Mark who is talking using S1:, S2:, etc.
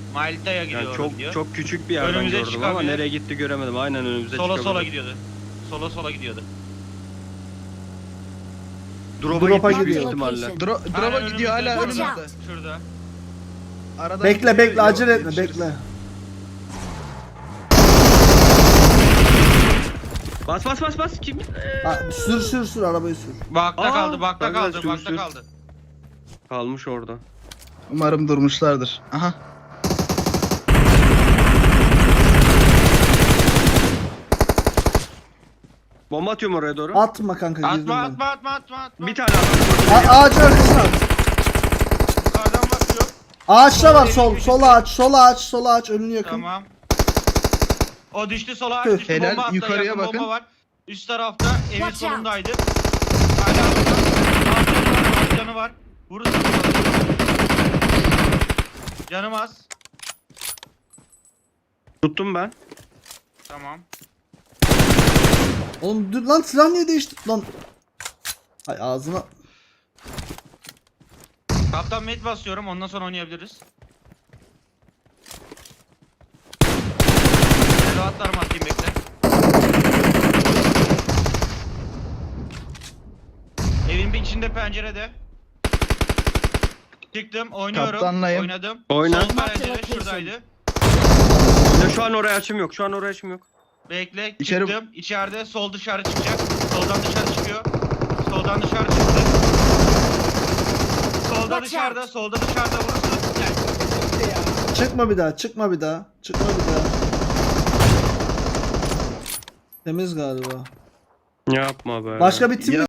S1: Malta'ya gidiyor.
S2: Yani çok
S1: gidiyor.
S2: çok küçük bir yerden
S1: Önümüze
S2: gördüm ama
S1: çıkabilir.
S2: nereye gitti göremedim. Aynen önümüze
S1: Sola
S2: çıkabilir.
S1: gidiyordu. Sola gidiyordu.
S2: Drop'a gitmiş büyük
S3: gidiyor.
S2: ihtimalle.
S4: Drop'a gidiyor hala
S3: Watch
S4: önümüzde.
S3: out.
S1: Şurada.
S4: Aradan
S5: Bekle
S4: gidiyor,
S5: bekle
S4: yok,
S5: acele etme
S4: yetişiriz.
S5: bekle.
S2: Bas. Kim?
S5: Ha, sür arabayı sür.
S1: Bakta
S2: Aa,
S1: kaldı, bakta
S2: ben de
S1: kaldı, bakta
S2: sürmüştüm.
S1: kaldı.
S2: Kalmış orada.
S4: Umarım durmuşlardır. Aha.
S2: Bomba atıyorum oraya doğru.
S5: Atma kanka girdim
S1: Atma,
S5: ben.
S1: atma.
S2: Bir tane atdım.
S5: Ağacın arkasına at.
S1: Yukarıdan bakıyor.
S5: Ağaçta var sol ağaç önünü yakın.
S1: Tamam. O düştü sola,
S5: Tüh.
S1: düştü
S4: Helal,
S1: bomba attı,
S4: yukarıya
S1: yakın
S4: bakın.
S1: bomba var. Üst tarafta evin
S3: Watch out.
S1: solundaydı. Hala burada. Alt canı var. Vurursun. Canım az.
S2: Tuttum ben.
S1: Tamam.
S5: Oğlum dur lan silah niye değişti lan? Ay ağzına.
S1: Kaptan med basıyorum, ondan sonra oynayabiliriz. Reloadlarımı atayım, bekle. Evin bir içinde, pencerede. Çıktım, oynuyorum.
S4: Kaptanlayım.
S1: Oynadım.
S2: Oyna.
S1: Sol pencere şuradaydı.
S2: Ya şu an oraya açım yok.
S1: Bekle,
S4: İçeri-
S1: çıktım. İçeride sol dışarı çıkacak. Soldan dışarı çıkıyor. Soldan dışarı çıktı. Solda
S3: Watch
S1: dışarıda,
S3: out.
S1: solda dışarıda vurursun. Gel.
S5: Çıkma bir daha. Temiz galiba.
S2: Yapma be.
S5: Başka bir tim
S4: Ya